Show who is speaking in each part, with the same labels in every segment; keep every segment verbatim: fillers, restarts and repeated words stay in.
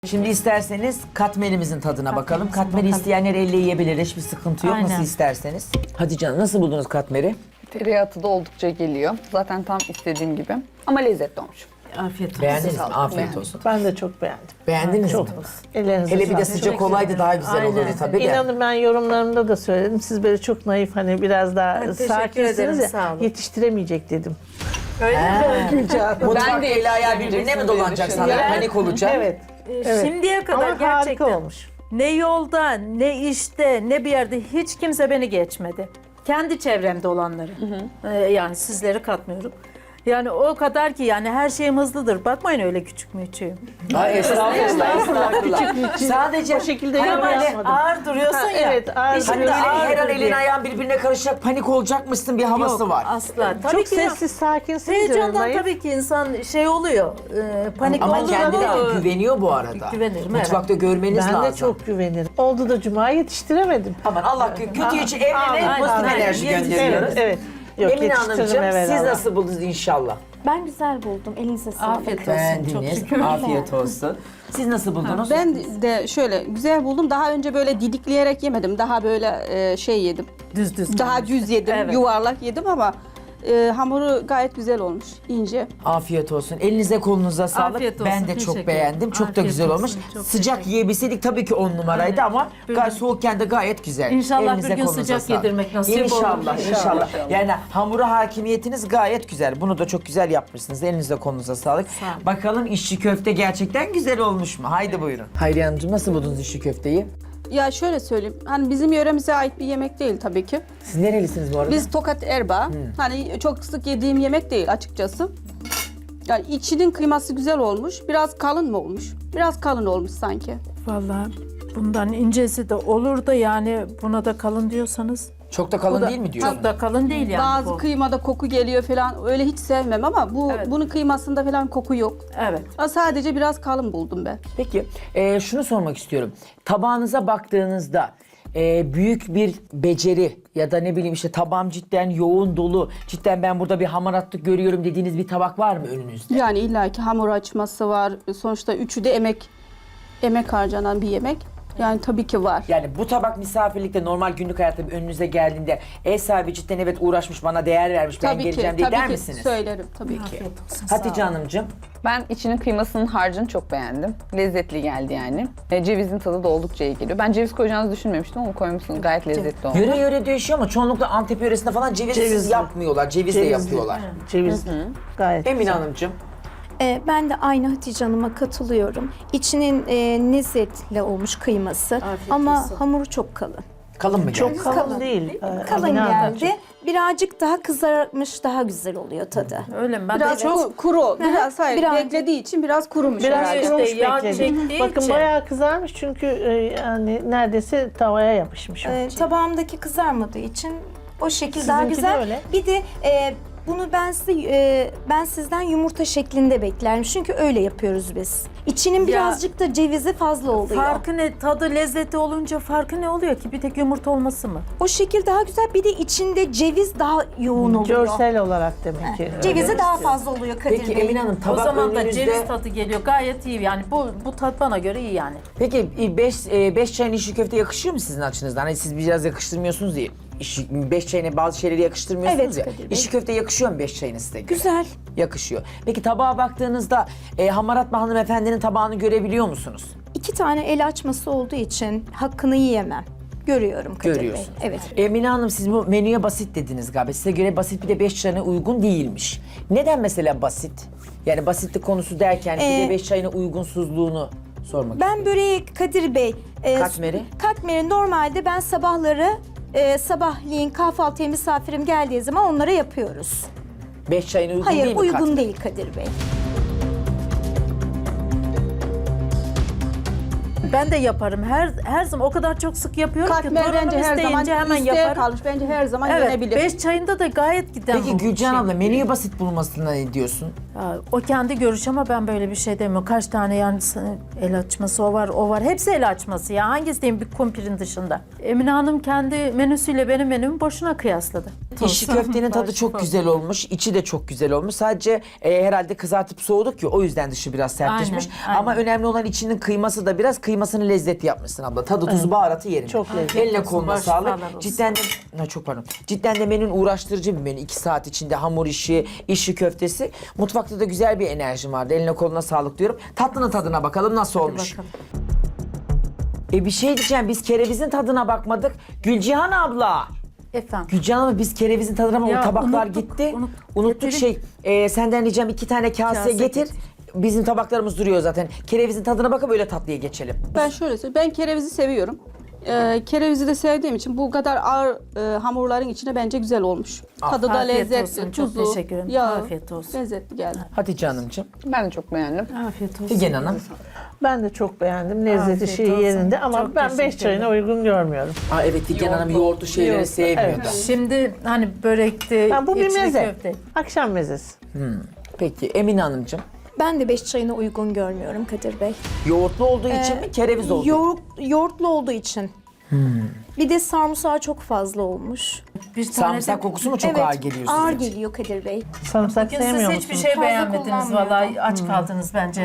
Speaker 1: Şimdi isterseniz katmerimizin tadına bakalım.
Speaker 2: Katmerimizin
Speaker 1: Katmeri
Speaker 2: bakalım.
Speaker 1: isteyenler elle yiyebilir. Hiçbir sıkıntı yok.
Speaker 2: Aynen.
Speaker 1: Nasıl isterseniz. Hadi canım, nasıl buldunuz katmeri?
Speaker 3: Tereyağı tadı oldukça geliyor. Zaten tam istediğim gibi. Ama lezzetli olmuş.
Speaker 2: Afiyet olsun.
Speaker 1: Beğendiniz mi?
Speaker 3: sağlık.
Speaker 1: Afiyet
Speaker 3: Beğendim.
Speaker 1: olsun.
Speaker 4: Ben de çok beğendim.
Speaker 1: Beğendiniz
Speaker 4: Çok.
Speaker 1: mi?
Speaker 4: Ellerinize
Speaker 1: Hele bir de
Speaker 4: sağlık.
Speaker 1: sıcak olaydı daha güzel
Speaker 2: Aynen.
Speaker 1: olurdu tabii de.
Speaker 4: İnanın ben yorumlarımda da söyledim. Siz böyle çok naif, hani biraz daha
Speaker 2: Evet, teşekkür
Speaker 4: sakinsiniz
Speaker 2: ederim,
Speaker 4: ya,
Speaker 2: sağ olun.
Speaker 4: yetiştiremeyecek dedim.
Speaker 2: Öyle mi?
Speaker 1: Mutfak
Speaker 3: Ben de
Speaker 1: eli ayağı
Speaker 3: yetiştiremeyeceksin
Speaker 1: birbirine mi
Speaker 3: diye
Speaker 1: dolanacak sana?
Speaker 3: düşünüyorum.
Speaker 1: Panik olacak.
Speaker 4: Evet.
Speaker 2: Ee,
Speaker 4: Evet.
Speaker 2: Şimdiye kadar
Speaker 4: Ama
Speaker 2: gerçekten
Speaker 4: harika olmuş.
Speaker 2: ne yolda, ne işte, ne bir yerde hiç kimse beni geçmedi. Kendi çevremde olanları. Ee, yani sizleri katmıyorum. Yani o kadar ki yani her şeyim hızlıdır. Bakmayın öyle küçük müçüğüm.
Speaker 1: Ay estağfurullah, estağfurullah. Sadece
Speaker 4: O şekilde
Speaker 1: hani
Speaker 4: yorum
Speaker 1: böyle
Speaker 4: yapmadım.
Speaker 2: Ağır duruyorsun
Speaker 4: Ha,
Speaker 2: ya.
Speaker 4: evet, ağır
Speaker 2: İşte
Speaker 1: hani
Speaker 4: duruyorsun.
Speaker 1: böyle
Speaker 2: ağır
Speaker 1: her an
Speaker 2: duruyor.
Speaker 1: elin ayağın birbirine karışacak, panik olacakmışsın bir havası
Speaker 2: Yok,
Speaker 1: var.
Speaker 2: asla. Tabii
Speaker 4: Çok
Speaker 2: ki ya.
Speaker 4: sessiz, sakinsiniz.
Speaker 2: Heyecandan
Speaker 4: naif.
Speaker 2: tabii ki insan şey oluyor. E, panik
Speaker 1: Ama
Speaker 2: olduğu
Speaker 1: kendine
Speaker 2: zaman-
Speaker 1: de güveniyor bu arada.
Speaker 2: Güvenirim,
Speaker 1: Mutfakta görmeniz
Speaker 4: Ben
Speaker 1: lazım.
Speaker 4: de çok güvenirim. Oldu da cuma yetiştiremedim.
Speaker 1: Aman Allah kötü için evrene
Speaker 2: Aynen,
Speaker 1: pozitif
Speaker 2: aynen.
Speaker 1: enerji
Speaker 2: Yetiştirin.
Speaker 1: gönderiyoruz.
Speaker 4: Evet, evet. Yok,
Speaker 1: Emine
Speaker 4: yetiştiririm
Speaker 1: Hanımcığım siz
Speaker 4: evvelallah.
Speaker 1: nasıl buldunuz inşallah?
Speaker 5: Ben güzel buldum. Elinize sağlık.
Speaker 2: Afiyet olsun. Çok
Speaker 1: Beğendiniz.
Speaker 2: şükür.
Speaker 1: Afiyet olsun. Siz nasıl buldunuz?
Speaker 6: Ben de şöyle güzel buldum. Daha önce böyle didikleyerek yemedim. Daha böyle e, şey yedim.
Speaker 2: Düz düz.
Speaker 6: Daha
Speaker 2: kalmıştı.
Speaker 6: düz yedim,
Speaker 2: Evet.
Speaker 6: yuvarlak yedim ama e, hamuru gayet güzel olmuş, ince.
Speaker 1: Afiyet olsun. Elinize kolunuza sağlık.
Speaker 2: Afiyet olsun,
Speaker 1: Ben de çok
Speaker 2: teşekkür
Speaker 1: beğendim.
Speaker 2: ederim.
Speaker 1: Çok da
Speaker 2: Afiyet
Speaker 1: güzel
Speaker 2: olsun,
Speaker 1: olmuş.
Speaker 2: çok
Speaker 1: Sıcak
Speaker 2: teşekkür
Speaker 1: yiyebilseydik tabii ki on numaraydı
Speaker 2: Aynen.
Speaker 1: ama
Speaker 2: Böyle-
Speaker 1: gayet soğukken de gayet güzel.
Speaker 2: İnşallah
Speaker 1: Elinize
Speaker 2: bir gün
Speaker 1: kolunuza
Speaker 2: sıcak
Speaker 1: sağlık.
Speaker 2: yedirmek nasip olur.
Speaker 1: İnşallah, inşallah.
Speaker 2: İnşallah.
Speaker 1: Yani hamura hakimiyetiniz gayet güzel. Bunu da çok güzel yapmışsınız. Elinize kolunuza sağlık.
Speaker 2: Sağ olun.
Speaker 1: Bakalım işçi köfte gerçekten güzel olmuş mu? Haydi buyurun. Hayriye Hanımcığım nasıl buldunuz işçi köfteyi?
Speaker 6: Ya şöyle söyleyeyim, hani bizim yöremize ait bir yemek değil tabii ki.
Speaker 1: Siz nerelisiniz bu arada?
Speaker 6: Biz Tokat Erbaa, hani çok sık yediğim yemek değil açıkçası. Yani içinin kıyması güzel olmuş, biraz kalın mı olmuş? Biraz kalın olmuş sanki.
Speaker 2: Vallahi bundan incesi de olur da yani buna da kalın diyorsanız.
Speaker 1: Çok da kalın
Speaker 2: Bu da-
Speaker 1: değil mi diyorsun?
Speaker 2: Çok da kalın değil yani
Speaker 6: Bazı
Speaker 2: bu.
Speaker 6: kıymada koku geliyor falan, öyle hiç sevmem ama bu
Speaker 2: Evet.
Speaker 6: bunun kıymasında falan koku yok.
Speaker 2: Evet.
Speaker 6: Ya sadece biraz kalın buldum ben.
Speaker 1: Peki e, şunu sormak istiyorum. Tabağınıza baktığınızda e, büyük bir beceri ya da ne bileyim işte tabağım cidden yoğun dolu, cidden ben burada bir hamaratlık görüyorum dediğiniz bir tabak var mı önünüzde?
Speaker 6: Yani illaki hamur açması var. Sonuçta üçü de emek emek harcanan bir yemek. Yani tabii ki var.
Speaker 1: Yani bu tabak misafirlikte normal günlük hayatta bir önünüze geldiğinde ev sahibi cidden evet uğraşmış bana değer vermiş ben
Speaker 6: Tabii ki,
Speaker 1: geleceğim diye
Speaker 6: tabii
Speaker 1: der
Speaker 6: ki
Speaker 1: misiniz?
Speaker 6: söylerim tabii ki.
Speaker 2: Afiyet olsun. sağ
Speaker 1: Hatice
Speaker 2: olun.
Speaker 1: Hanımcığım.
Speaker 3: Ben içinin kıymasının harcını çok beğendim. Lezzetli geldi yani. E, cevizin tadı da oldukça iyi geliyor. Ben ceviz koyacağınızı düşünmemiştim ama koymuşsunuz. Gayet lezzetli olmuş.
Speaker 1: Yöre yöre değişiyor ama çoğunlukla Antep yöresinde falan cevizsiz
Speaker 4: Cevizli.
Speaker 1: yapmıyorlar. Cevizle
Speaker 4: Cevizli.
Speaker 1: yapıyorlar.
Speaker 4: Ceviz gayet
Speaker 1: Emine
Speaker 4: güzel.
Speaker 1: Hanımcığım.
Speaker 5: Ee, ben de aynı Hatice Hanım'a katılıyorum. İçinin e, lezzetle olmuş kıyması ama hamuru çok kalın.
Speaker 1: Kalın mı
Speaker 4: Çok
Speaker 1: geldi?
Speaker 4: kalın,
Speaker 5: Kalın.
Speaker 4: değil. Ee,
Speaker 5: Kalın
Speaker 4: Emine Hanım.
Speaker 5: geldi. Birazcık daha kızarmış, daha güzel oluyor tadı.
Speaker 2: Öyle mi? Ben
Speaker 6: Biraz
Speaker 2: de
Speaker 6: çok kuru, biraz hayır
Speaker 5: Biraz-
Speaker 6: beklediği için biraz kurumuş
Speaker 4: Biraz
Speaker 6: herhalde.
Speaker 2: işte
Speaker 4: kurumuş
Speaker 2: yağ
Speaker 4: bekledim.
Speaker 2: çektiği
Speaker 4: Bakın
Speaker 2: için.
Speaker 4: bayağı kızarmış çünkü e, yani neredeyse tavaya yapışmış.
Speaker 5: Ee, tabağımdaki kızarmadığı için o şekil daha
Speaker 4: Sizinki de
Speaker 5: güzel.
Speaker 4: öyle.
Speaker 5: Bir de e, bunu ben size e, ben sizden yumurta şeklinde beklerim. Çünkü öyle yapıyoruz biz. İçinin birazcık da cevizi fazla oluyor.
Speaker 2: Farkı ne? Tadı lezzeti olunca farkı ne oluyor ki? Bir tek yumurta olması mı?
Speaker 5: O şekil daha güzel. Bir de içinde ceviz daha yoğun oluyor.
Speaker 4: Görsel olarak demek ki.
Speaker 5: Cevizi
Speaker 4: öyle
Speaker 5: daha
Speaker 4: istiyorum.
Speaker 5: fazla oluyor Kadir
Speaker 1: Peki
Speaker 5: Bey.
Speaker 1: Emine Hanım tabak
Speaker 2: o zaman da
Speaker 1: önünüzde...
Speaker 2: ceviz tadı geliyor. Gayet iyi yani. Bu bu tat bana göre iyi yani.
Speaker 1: Peki beş, beş çayın işi köfte yakışıyor mu sizin açınızdan? Hani siz biraz yakıştırmıyorsunuz diye. İşi, beş çayına bazı şeyleri yakıştırmıyorsunuz
Speaker 5: Evet,
Speaker 1: ya.
Speaker 5: Kadir Bey.
Speaker 1: İşi köfte yakışıyor mu beş çayına size göre?
Speaker 5: Güzel.
Speaker 1: Yakışıyor. Peki tabağa baktığınızda e, Hamarat hanımefendinin tabağını görebiliyor musunuz?
Speaker 5: İki tane el açması olduğu için hakkını yiyemem. Görüyorum Kadir
Speaker 1: Görüyorsunuz.
Speaker 5: Bey. Evet.
Speaker 1: Emine Hanım siz bu menüye basit dediniz galiba. Size göre basit bir de beş çayına uygun değilmiş. Neden mesela basit? Yani basitlik konusu derken bir de
Speaker 5: Ee,
Speaker 1: beş çayına uygunsuzluğunu sormak
Speaker 5: Ben böreği Kadir Bey... e,
Speaker 1: Katmeri?
Speaker 5: Katmeri normalde ben sabahları e, sabahleyin kahvaltıya misafirim geldiği zaman onlara yapıyoruz.
Speaker 1: Beş çayına uygun
Speaker 5: Hayır
Speaker 1: değil mi
Speaker 5: uygun
Speaker 1: katmer?
Speaker 5: değil Kadir Bey.
Speaker 2: Ben de yaparım. Her her zaman o kadar çok sık yapıyorum ki
Speaker 6: Katmer
Speaker 2: torunum
Speaker 6: bence her zaman
Speaker 2: isteyince hemen
Speaker 6: isteğe
Speaker 2: yaparım.
Speaker 6: kalmış. Bence her zaman
Speaker 2: Evet,
Speaker 6: yenebilir.
Speaker 2: beş çayında da gayet giden
Speaker 1: Peki
Speaker 2: bu
Speaker 1: Gülcan
Speaker 2: şey.
Speaker 1: abla menüyü basit bulmasına ne diyorsun?
Speaker 2: Ya, o kendi görüş ama ben böyle bir şey demiyorum. Kaç tane yani el açması o var, o var. Hepsi el açması ya. Hangisi diyeyim bir kumpirin dışında. Emine Hanım kendi menüsüyle benim menümü boşuna kıyasladı.
Speaker 1: İşi köftenin tadı çok güzel olmuş, içi de çok güzel olmuş. Sadece e, herhalde kızartıp soğuduk ya o yüzden dışı biraz sertleşmiş.
Speaker 2: Aynen, aynen.
Speaker 1: Ama önemli olan içinin kıyması da biraz kıymasını lezzetli yapmışsın abla. Tadı, tuzu, baharatı yerinde.
Speaker 4: Çok lezzetli.
Speaker 1: Eline koluna
Speaker 2: Baş
Speaker 1: sağlık.
Speaker 2: sağlar olsun.
Speaker 1: Cidden de, ha, çok pardon. Cidden de menün uğraştırıcı bir menü. İki saat içinde hamur işi, işi köftesi. Mutfakta da güzel bir enerjim vardı. Eline koluna sağlık diyorum. Tatlının tadına bakalım nasıl olmuş.
Speaker 2: Bakalım.
Speaker 1: E bir şey diyeceğim, biz kerevizin tadına bakmadık. Gülcihan abla.
Speaker 2: Efendim.
Speaker 1: Gülcan abla biz kerevizin tadına bakmadık.
Speaker 2: Ya,
Speaker 1: Tabaklar
Speaker 2: unuttuk,
Speaker 1: gitti.
Speaker 2: unut-
Speaker 1: Unuttuk
Speaker 2: Getirin.
Speaker 1: şey. e, senden ricam iki tane kase,
Speaker 2: Kase
Speaker 1: getir.
Speaker 2: getir.
Speaker 1: Bizim tabaklarımız duruyor zaten. Kerevizin tadına bakıp öyle tatlıya geçelim.
Speaker 6: Ben şöyle söyleyeyim. Ben kerevizi seviyorum. Ee, kerevizi de sevdiğim için bu kadar ağır e, hamurların içine bence güzel olmuş. Tadı da
Speaker 2: Afiyet
Speaker 6: lezzetli,
Speaker 2: olsun, çok
Speaker 6: tuzu,
Speaker 2: teşekkür ederim.
Speaker 6: yağı,
Speaker 2: Afiyet olsun.
Speaker 6: lezzetli geldi.
Speaker 1: Hatice Hanımcığım.
Speaker 3: Ben de çok beğendim.
Speaker 2: Afiyet olsun.
Speaker 1: Figen Hanım.
Speaker 4: Ben de çok beğendim. Lezzeti
Speaker 2: Afiyet
Speaker 4: şeyi
Speaker 2: olsun.
Speaker 4: yerinde ama
Speaker 2: Çok
Speaker 4: ben beş
Speaker 2: teşekkür
Speaker 4: çayına uygun görmüyorum.
Speaker 1: Aa, evet Figen Hanım yoğurtlu şeyleri
Speaker 4: Yoğurtlu,
Speaker 1: sevmiyor
Speaker 4: evet.
Speaker 1: da.
Speaker 2: Şimdi hani börekti,
Speaker 4: Ben bu bir
Speaker 2: içli
Speaker 4: meze.
Speaker 2: köfte.
Speaker 4: Akşam mezesi.
Speaker 1: Peki Emine Hanımcığım.
Speaker 5: Ben de beş çayına uygun görmüyorum Kadir Bey.
Speaker 1: Yoğurtlu olduğu için mi, kereviz olduğu için?
Speaker 5: Yoğurt, yoğurtlu olduğu için. Bir de sarımsağı çok fazla olmuş.
Speaker 2: Bir tane
Speaker 1: Sarımsak
Speaker 2: de-
Speaker 1: kokusu mu çok
Speaker 5: evet,
Speaker 1: ağır geliyor size?
Speaker 5: ağır geliyor Kadir Bey.
Speaker 4: Sarımsak
Speaker 2: Bugün
Speaker 4: sevmiyor
Speaker 2: siz
Speaker 4: musunuz?
Speaker 2: hiçbir şey
Speaker 5: Fazla
Speaker 2: beğenmediniz
Speaker 5: kullanmıyorum.
Speaker 2: vallahi aç kaldınız bence.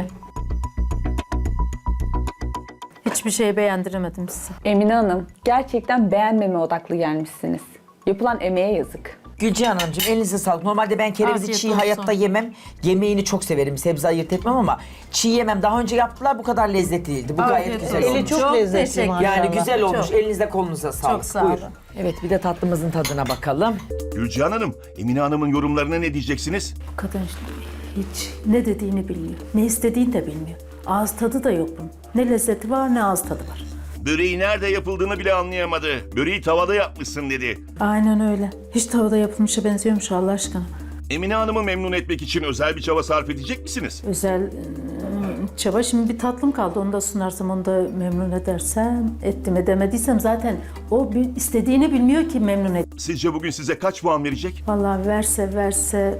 Speaker 2: Hiçbir şey beğendiremedim size.
Speaker 3: Emine Hanım, gerçekten beğenmeme odaklı gelmişsiniz. Yapılan emeğe yazık.
Speaker 1: Gülcihan Hanımcığım elinize sağlık. Normalde ben kerevizi
Speaker 2: Afiyet
Speaker 1: çiğ
Speaker 2: olsun.
Speaker 1: hayatta yemem. Yemeğini çok severim. Sebze ayırt etmem ama çiğ yemem. Daha önce yaptılar bu kadar lezzetli değildi. Bu
Speaker 2: Afiyet
Speaker 1: gayet güzel
Speaker 2: olsun.
Speaker 1: olmuş.
Speaker 4: Eli çok,
Speaker 2: Çok
Speaker 4: lezzetli
Speaker 2: teşekkür-
Speaker 4: maşallah.
Speaker 1: Yani güzel olmuş.
Speaker 2: Çok.
Speaker 1: Elinize kolunuza sağlık.
Speaker 2: Çok sağ
Speaker 1: Buyur.
Speaker 2: olun.
Speaker 1: Evet bir de tatlımızın tadına bakalım.
Speaker 7: Gülcihan Hanım, Emine Hanım'ın yorumlarına ne diyeceksiniz?
Speaker 2: Kadın işte hiç ne dediğini bilmiyor. Ne istediğini de bilmiyor. Ağız tadı da yok bunun. Ne lezzeti var ne ağız tadı var.
Speaker 7: Böreği nerede yapıldığını bile anlayamadı. Böreği tavada yapmışsın dedi.
Speaker 2: Aynen öyle. Hiç tavada yapılmışa benziyormuş Allah aşkına.
Speaker 7: Emine Hanım'ı memnun etmek için özel bir çaba sarf edecek misiniz?
Speaker 2: Özel ıı, çaba. Şimdi bir tatlım kaldı. Onu da sunarsam, onu da memnun edersem, ettim edemediysem zaten o bir istediğini bilmiyor ki memnun et.
Speaker 7: Sizce bugün size kaç puan verecek?
Speaker 2: Vallahi verse verse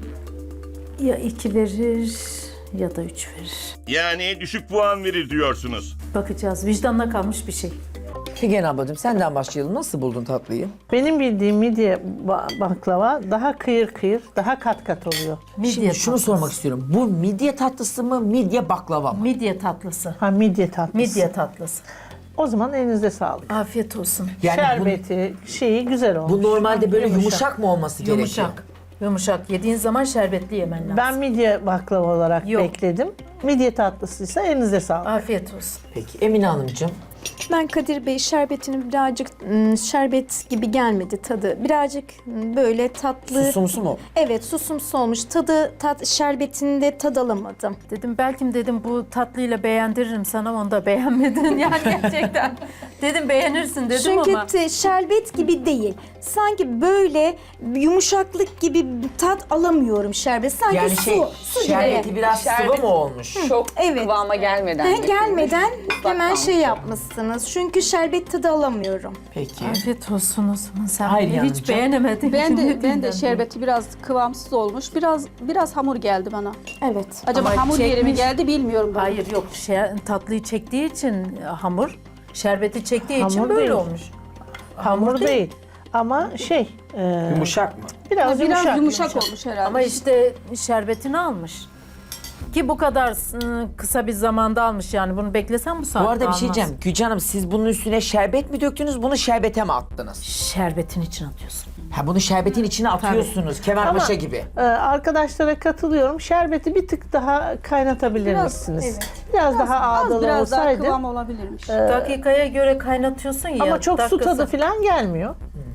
Speaker 2: ya iki verir ya da üç verir.
Speaker 7: Yani düşük puan verir diyorsunuz.
Speaker 2: Bakacağız. Vicdanla kalmış bir şey.
Speaker 1: Figen ablacığım senden başlayalım. Nasıl buldun tatlıyı?
Speaker 4: Benim bildiğim midye ba- baklava daha kıyır kıyır, daha kat kat oluyor.
Speaker 2: Midye
Speaker 1: Şimdi şunu
Speaker 2: tatlısı.
Speaker 1: sormak istiyorum. Bu midye tatlısı mı, midye baklava mı?
Speaker 2: Midye tatlısı.
Speaker 4: Ha midye tatlısı.
Speaker 2: Midye tatlısı.
Speaker 4: O zaman elinize sağlık.
Speaker 2: Afiyet olsun.
Speaker 1: Yani bu,
Speaker 4: Şerbeti, şeyi güzel olmuş.
Speaker 1: bu normalde böyle yumuşak,
Speaker 2: Yumuşak.
Speaker 1: mı olması gerekiyor?
Speaker 2: Yumuşak. Yumuşak. Yediğin zaman şerbetli yemen lazım.
Speaker 4: Ben midye baklava olarak
Speaker 2: Yok.
Speaker 4: bekledim. Midye tatlısıysa elinize sağlık.
Speaker 2: Afiyet olsun.
Speaker 1: Peki Emine Hanımcığım.
Speaker 5: Ben Kadir Bey şerbetinin birazcık ım, şerbet gibi gelmedi tadı. Birazcık ım, böyle tatlı.
Speaker 1: Susumsu mu?
Speaker 5: Evet, susumsu olmuş. Tadı, tat, şerbetinde tad alamadım.
Speaker 2: Dedim belki dedim bu tatlıyla beğendiririm sana, onu da beğenmedin yani gerçekten. Dedim beğenirsin dedim
Speaker 5: Çünkü
Speaker 2: ama.
Speaker 5: te- şerbet gibi değil. Sanki böyle yumuşaklık gibi bir tat alamıyorum şerbet. Sanki
Speaker 1: Yani
Speaker 5: su,
Speaker 1: şey,
Speaker 5: su
Speaker 1: şerbeti
Speaker 5: gibi.
Speaker 1: biraz
Speaker 3: Şerbet-
Speaker 1: sıvı mı olmuş?
Speaker 3: Çok
Speaker 5: evet.
Speaker 3: kıvama gelmeden.
Speaker 5: He,
Speaker 3: dökülmüş.
Speaker 5: gelmeden
Speaker 3: Islak
Speaker 5: hemen
Speaker 3: kalmış.
Speaker 5: şey yapmışsınız. Çünkü şerbet tadı alamıyorum.
Speaker 1: Peki.
Speaker 2: Afiyet olsun o zaman, sen
Speaker 1: Hayır
Speaker 2: beni
Speaker 1: yalnızca.
Speaker 2: hiç beğenemedin.
Speaker 6: Ben de
Speaker 2: Ne
Speaker 6: ben de
Speaker 2: bileyim
Speaker 6: şerbeti biraz kıvamsız olmuş. Biraz biraz hamur geldi bana.
Speaker 5: Evet.
Speaker 6: Acaba
Speaker 2: Ama
Speaker 6: hamur yeri mi
Speaker 2: çekmiş.
Speaker 6: geldi bilmiyorum ben.
Speaker 2: Hayır yok, şey, tatlıyı çektiği için hamur, şerbeti çektiği için
Speaker 4: Hamur
Speaker 2: böyle
Speaker 4: değil.
Speaker 2: olmuş.
Speaker 4: Hamur değil. Ama şey, e,
Speaker 1: Yumuşak mı?
Speaker 4: biraz,
Speaker 6: Biraz
Speaker 4: yumuşak.
Speaker 6: yumuşak, olmuş herhalde.
Speaker 2: Ama işte şerbetini almış. Ki bu kadar ıı, kısa bir zamanda almış yani, bunu beklesem bu saatte
Speaker 1: Bu arada bir şey
Speaker 2: almaz.
Speaker 1: diyeceğim. Gülcan Hanım siz bunun üstüne şerbet mi döktünüz, bunu şerbete mi attınız?
Speaker 2: Şerbetin içine atıyorsun.
Speaker 1: Ha bunu şerbetin içine atıyorsunuz. Kemerpaşa
Speaker 4: Ama-
Speaker 1: gibi.
Speaker 4: E, arkadaşlara katılıyorum. Şerbeti bir tık daha kaynatabilir
Speaker 6: Biraz,
Speaker 4: misiniz?
Speaker 6: evet.
Speaker 4: Biraz, daha
Speaker 6: Az
Speaker 4: ağdalı
Speaker 6: biraz daha
Speaker 4: olsaydı.
Speaker 6: kıvam olabilirmiş.
Speaker 2: Dakikaya göre kaynatıyorsun ya.
Speaker 4: Ama çok su
Speaker 2: dakikası-
Speaker 4: tadı falan gelmiyor.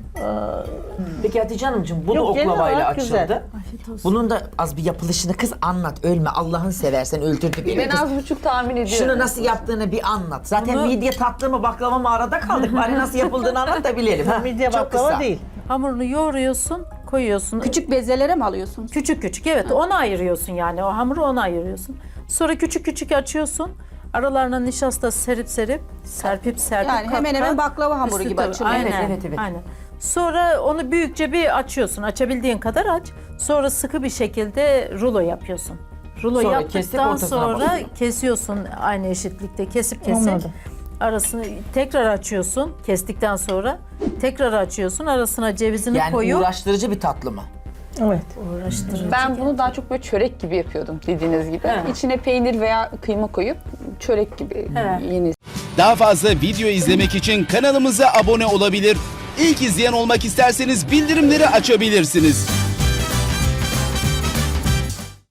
Speaker 1: Peki Hatice Hanımcığım bunu
Speaker 4: Yok, genel
Speaker 1: oklavayla
Speaker 4: olarak
Speaker 1: açıldı.
Speaker 4: güzel.
Speaker 1: Bunun da az bir yapılışını kız anlat. Ölme Allah'ını seversen öldürdü beni.
Speaker 3: Ben
Speaker 1: kız.
Speaker 3: az buçuk tahmin ediyorum.
Speaker 1: Şunu nasıl yaptığını bir anlat. Zaten
Speaker 2: Bunu-
Speaker 1: midye tatlı mı baklava mı arada kaldık. Bari nasıl yapıldığını anlat da bilelim. ha?
Speaker 4: Midye
Speaker 1: Çok
Speaker 4: baklava
Speaker 1: kısa.
Speaker 4: değil.
Speaker 2: Hamurunu yoğuruyorsun, koyuyorsun.
Speaker 6: Küçük bezelere mi alıyorsunuz?
Speaker 2: Küçük küçük, evet, ona ayırıyorsun yani, o hamuru ona ayırıyorsun. Sonra küçük küçük açıyorsun. Aralarına nişasta serip serip, serpip serpip
Speaker 6: Yani
Speaker 2: kat
Speaker 6: hemen
Speaker 2: kat
Speaker 6: hemen baklava hamuru
Speaker 2: üstü
Speaker 6: gibi
Speaker 2: tabii.
Speaker 6: açılıyor.
Speaker 2: Aynen,
Speaker 1: Evet, evet, evet.
Speaker 2: aynen. Sonra onu büyükçe bir açıyorsun. Açabildiğin kadar aç. Sonra sıkı bir şekilde rulo yapıyorsun. Rulo
Speaker 1: Sonra kesip
Speaker 2: yaptıktan
Speaker 1: ortasına
Speaker 2: sonra
Speaker 1: basıyorsun.
Speaker 2: kesiyorsun aynı eşitlikte. Kesip kesip
Speaker 4: Anladım.
Speaker 2: arasını tekrar açıyorsun. Kestikten sonra tekrar açıyorsun. Arasına cevizini
Speaker 1: Yani
Speaker 2: koyup
Speaker 1: uğraştırıcı bir tatlı mı?
Speaker 4: Evet.
Speaker 2: uğraştırıcı.
Speaker 3: Ben bunu daha çok böyle çörek gibi yapıyordum dediğiniz gibi. İçine peynir veya kıyma koyup çörek gibi yeni.
Speaker 8: Daha fazla video izlemek için kanalımıza abone olabilir. İlk izleyen olmak isterseniz bildirimleri açabilirsiniz.